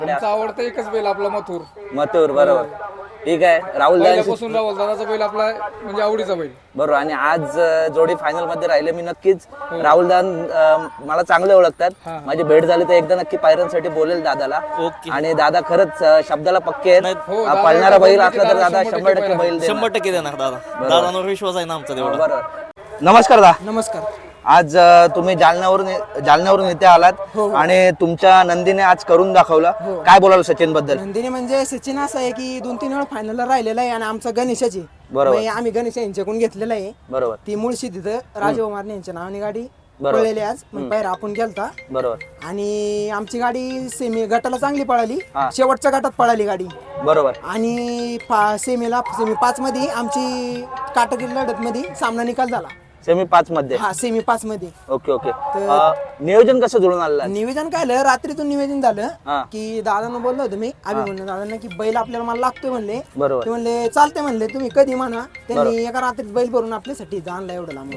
आमचा आवडता एकच बैल आपला मथुर. मथुर बरोबर. ठीक आहे. राहुल पहिल्यापासून राहुल दादाचा बैल आपला म्हणजे आवडीचा बैल. बरोबर. आणि आज जोडी फायनल मध्ये राहिले. मी नक्कीच राहुल दादा मला चांगले ओळखतात. माझी भेट झाली तर एकदा नक्की पायऱ्यांसाठी बोलेल दादाला. आणि दादा खरंच शब्दाला पक्के आहेत. पळणारा बैल असला तर दादा 100% बैल देणार. 100% देणार दादा. दादांवर विश्वास आहे ना आमचा तेवढा. बरोबर. नमस्कार दादा. नमस्कार. आज तुम्ही जालन्यावरून इथे आलात आणि तुमच्या नंदीने आज करून दाखवलं. काय बोलाल सचिन बद्दल? नंदिनी म्हणजे सचिन असं आहे की 2-3 वेळा फायनलला राहिलेला आहे आणि आमचा गणेशाची बरोबर. आम्ही गणेश यांच्याकडून घेतलेला आहे. बरोबर. ती मुळशी तिथं राजकुमार यांच्या नावाने गाडी पळलेली आज. मग पायरा आपण केलता. बरोबर. आणि आमची गाडी सेमी गटाला चांगली पळाली. शेवटच्या गटात पळाली गाडी. बरोबर. आणि सेमी 5 मध्ये आमची काटाकीर लढत मध्ये सामना निकाल झाला. सेमी 5 मध्ये. हा सेमी 5 मध्ये. Okay okay. नियोजन कसं जुळून आलं? निवेदन काय झालं, रात्रीतून निवेदन झालं की दादांना बोललो होतो मी म्हणलं दादांना की बैल आपल्याला मला लागतोय म्हणले. बरोबर. ते म्हणले चालते म्हणले तुम्ही कधी म्हणा. त्यांनी एका रात्रीत बैल भरून आपल्यासाठी आणला एवढं लांब.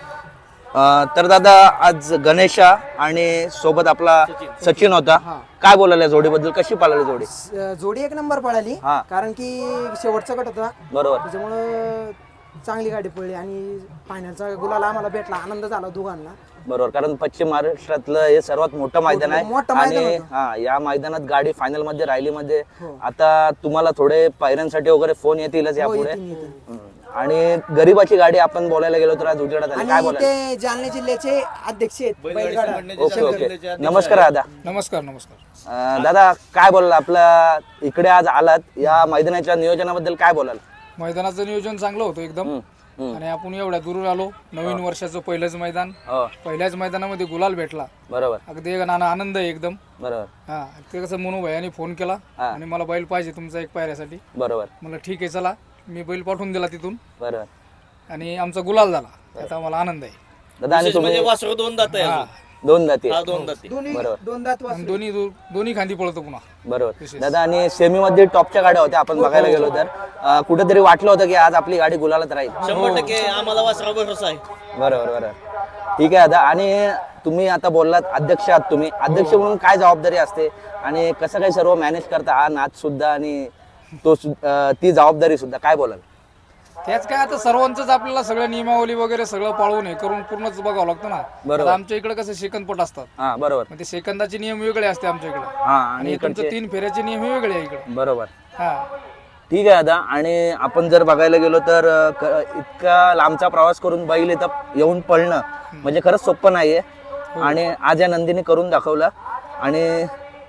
तर दादा आज गणेशा आणि सोबत आपला सचिन होता. काय बोलायला जोडीबद्दल? कशी पळाली जोडी? जोडी एक नंबर पळाली. कारण की शेवटचा गट होता. बरोबर. त्याच्यामुळं चांगली गाडी पळली आणि फायनलचा गुलाल आम्हाला भेटला. आनंद झाला दोघांना. बरोबर. कारण पश्चिम महाराष्ट्रातलं हे सर्वात मोठं मैदान आहे आणि या मैदानात गाडी फायनल मध्ये राहिली मध्ये आता तुम्हाला थोडे पायऱ्यांसाठी वगैरे फोन येतीलच यापुढे. आणि गरीबाची गाडी आपण बोलायला गेलो तर आज उजेडात आली. काय बोलायला? ते जालना जिल्ह्याचे अध्यक्ष आहेत बैलगाडा. Okay okay. नमस्कार दादा. नमस्कार नमस्कार. दादा काय बोलाल? आपला इकडे आज आलात, या मैदानाच्या नियोजनाबद्दल काय बोलाल? मैदानाचं नियोजन चांगलं होतं एकदम. आणि आपण एवढ्या दूर आलो. नवीन वर्षाचं पहिलंच मैदान. पहिल्याच मैदानामध्ये गुलाल भेटला. बरोबर. अगदी आनंद आहे एकदम. बरोबर. हा ते कसं मनू भैयाने फोन केला आणि मला बैल पाहिजे तुमचा एक पायऱ्यासाठी. बरोबर. मला ठीक आहे चला. मी बैल पाठवून दिला तिथून. बरोबर. आणि आमचा गुलाल झाला. आता मला आनंद आहे दादा. आणि म्हणजे वासरू 2 दात आहे. 2 दाती. 2 दाती. दोन दात आणि दोन्ही खांदी पळतो पुन्हा. बरोबर. दादा आणि सेमी मध्ये टॉपच्या गाड्या होत्या आपण बघायला गेलो तर कुठेतरी वाटलं होतं की आज आपली गाडी गुलालात राहील. 100% आम्हाला वासरा भरोसा आहे. बरोबर बरोबर. ठीक आहे दादा. आणि तुम्ही आता बोललात अध्यक्ष आहात तुम्ही. अध्यक्ष म्हणून काय जबाबदारी असते आणि कसं काय सर्व मॅनेज करता हा नाच सुद्धा आणि तो ती जबाबदारी सुद्धा काय बोलाल? त्याच काय आता सर्वांचंच आपल्याला सगळं नियमावली वगैरे सगळं पाळून हे करून पूर्णच बघावं लागतं ना. आता आमच्या इकडे कसं सेकंदपट असतात. हा बरोबर. म्हणजे सेकंदाचे नियम वेगळे असते आमच्या इकडे. आणि तुमचे 3 फेऱ्याचे नियम हे वेगळे आहे इकडे. बरोबर. हा ठीक आहे दादा. आणि आपण जर बघायला गेलो तर इतका लांबचा प्रवास करून बैल इथं येऊन पळणं म्हणजे खरंच सोपं नाहीये. आणि आज या नंदीने करून दाखवलं. आणि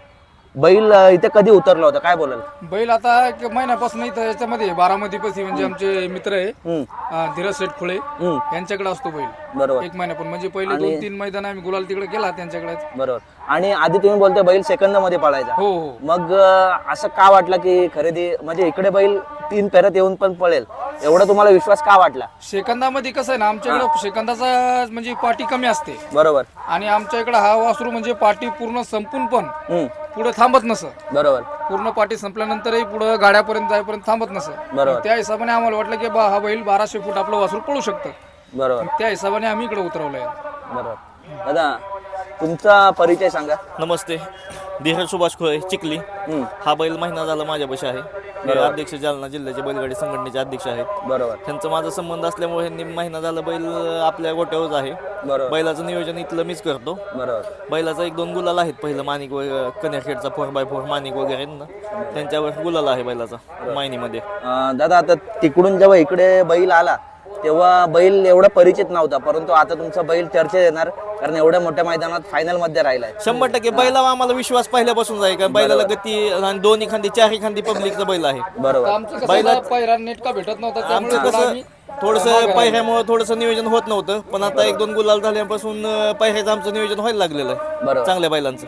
बैल इथे कधी उतरला होता? काय बोलाल? बैल आता 1 महिन्यापासून इथं याच्यामध्ये बारामतीपाशी म्हणजे आमचे मित्र आहे धीरज शेठ खुळे यांच्याकडे असतो बैल. बरोबर. 1 महिन्यापासून म्हणजे पहिले 2-3 मैदान आम्ही गुलाल तिकडे केला त्यांच्याकडे. बरोबर. आणि आधी तुम्ही बोलता बैल सेकंद मध्ये पळायचा. हो हो. मग असं का वाटलं की खरेदी म्हणजे इकडे बैल 3 फेऱ्यात येऊन पण पळेल एवढा तुम्हाला विश्वास का वाटला? सेकंदामध्ये कसं आहे ना आमच्याकडे सेकंदाचा म्हणजे पाठी कमी असते. बरोबर. आणि आमच्या इकडे हा वासरू म्हणजे पाठी पूर्ण संपून पण पुढे थांबत नसत. बरोबर. पूर्ण पाठी संपल्यानंतरही पुढे गाड्यापर्यंत जाईपर्यंत थांबत नसत. बरोबर. त्या हिशोबाने आम्हाला वाटलं की हा बैल 1200 फूट आपलं वासरू पळू शकतं. बरोबर. त्या हिशोबाने आम्ही इकडे उतरवलंय. बरोबर. दादा तुमचा परिचय सांगा. नमस्ते. धीरज सुभाष खोळे चिखली. हा बैल महिना झाला माझ्यापाशी आहे. हे अध्यक्ष जालना जिल्ह्याचे बैलगाडी संघटनेचे अध्यक्ष आहेत. बरोबर. त्यांचा माझा संबंध असल्यामुळे ह्यांनी महिना झाला बैल आपल्या गोट्यावर आहे. बैलाचं नियोजन इथलं मीच करतो. बरोबर. बैलाचा 1-2 गुलाल आहेत. पहिलं माणिक कन्याखेडचा 4x4 माणिक वगैरे ना त्यांच्यावर गुलाल आहे बैलाचा मायनीमध्ये. दादा आता तिकडून जेव्हा इकडे बैल आला तेव्हा बैल एवढा परिचित नव्हता, परंतु आता तुमचा बैल चर्चेत येणार कारण एवढ्या मोठ्या मैदानात फायनल मध्ये राहिलाय. 100% बैलावर आम्हाला विश्वास पहिल्यापासून आहे. कारण बैलाला गती आणि 2 खांदी 4 खांदी पब्लिकचा बैल आहे. बरोबर. बैला पायरा नेट का भेटत नव्हता त्यामुळे कसं थोडंसं पायऱ्यामुळे थोडंसं नियोजन होत नव्हतं. पण आता 1-2 गुलाल झाल्यापासून पायऱ्याचं आमचं नियोजन व्हायला लागलेलं आहे. बरोबर. चांगल्या बैलांचं.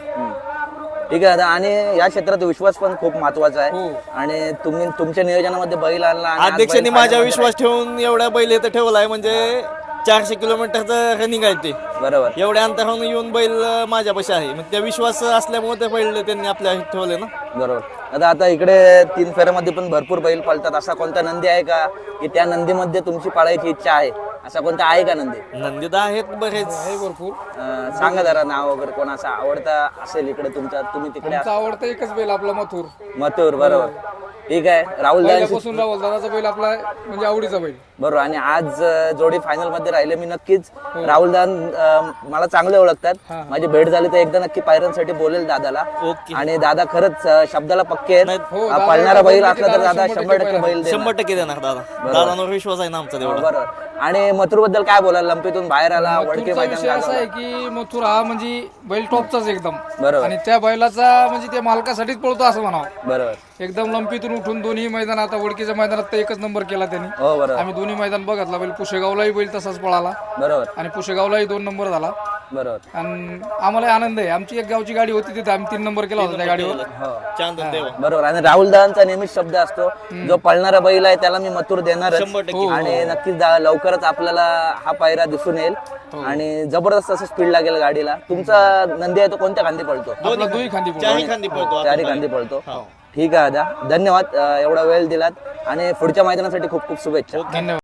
ठीक आहे. आणि या क्षेत्रात विश्वास पण खूप महत्वाचा आहे. आणि तुम्ही तुमच्या नियोजनामध्ये बैल आणला. अध्यक्षांनी माझ्या विश्वास ठेवून एवढा बैल इथं ठेवलाय म्हणजे 400 किलोमीटरचं रनिंग आहे ते. बरोबर एवढ्या अंतरावरून येऊन बैल माझ्यापाशी आहे. मग त्या विश्वास असल्यामुळे ते बैल त्यांनी आपल्या ठेवले ना. बरोबर. आता इकडे 3 फेऱ्यामध्ये पण भरपूर बैल पळतात. असा कोणता नंदी आहे का की त्या नंदीमध्ये तुमची पाळायची इच्छा आहे? असा कोणता आहे का नंदी? नंदी तर आहेत बरेच. आहे भरपूर. सांगा जरा नाव वगैरे कोणाचा आवडता असेल इकडे तुमचा, तुम्ही तिकडे आमचा आवडता एकच बैल आपला मथुर. मथुर. बरोबर. ठीक आहे. राहुल दादा पहिल्यापासून राहुल दादाचा बैल आपला म्हणजे आवडीचा बैल. बरोबर. आणि आज जोडी फायनल मध्ये राहिले. मी नक्कीच राहुल दादा मला चांगले ओळखतात. माझी भेट झाली तर एकदा नक्की पायऱ्यांसाठी बोलेल दादाला. ओके. आणि दादा खरंच शब्दाला पक्के आहेत. हो, दादा पळणारा बैल बोलले असला की तर दादा दादा 100% बैल देणार. 100% देणार दादा. दादांवर विश्वास आहे ना आमचा तेवढा. बरोबर. आणि मथुर बद्दल काय बोलाल? लंपीतून बाहेर आला, वडके मथुरचा मैदान विषय असा गाजवलं. आहे की मथुर हा म्हणजे बैल टॉपचाच एकदम. बरोबर. आणि त्या बैलाचा म्हणजे त्या मालकासाठीच पळतो असं म्हणावं. बरोबर. एकदम लंपीतून उठून दोन्ही मैदान, आता वडकीच्या मैदानात तर एकच नंबर केला त्यांनी. हो बरोबर. आम्ही दोन्ही मैदान बघितला. बैल पुशेगावलाही बैल तसाच पळाला बरोबर. आणि पुशेगावलाही 2 नंबर झाला. बरोबर. आणि आम्हाला आनंद आहे. आमची एक गावची गाडी होती तिथे आम्ही 3 नंबर केला होता त्या गाडीवर. चांदन देवा. बरोबर. आणि राहुल दादांचा नेहमीच शब्द असतो, जो पळणारा बैल आहे त्याला मी मथुर देणारच. 100%. आणि नक्कीच लवकरच आपल्याला हा पायरा दिसून येईल. आणि जबरदस्त असं स्पीड लागेल गाडीला. तुमचा नंदी आहे तो कोणत्या खांदी पळतो? आपला दुई खांदी पळतो. चारही खांदी पळतो. चारी खांदी पळतो. ठीक आहे दादा, धन्यवाद एवढा वेळ दिलात आणि पुढच्या मैदानासाठी खूप खूप शुभेच्छा. धन्यवाद.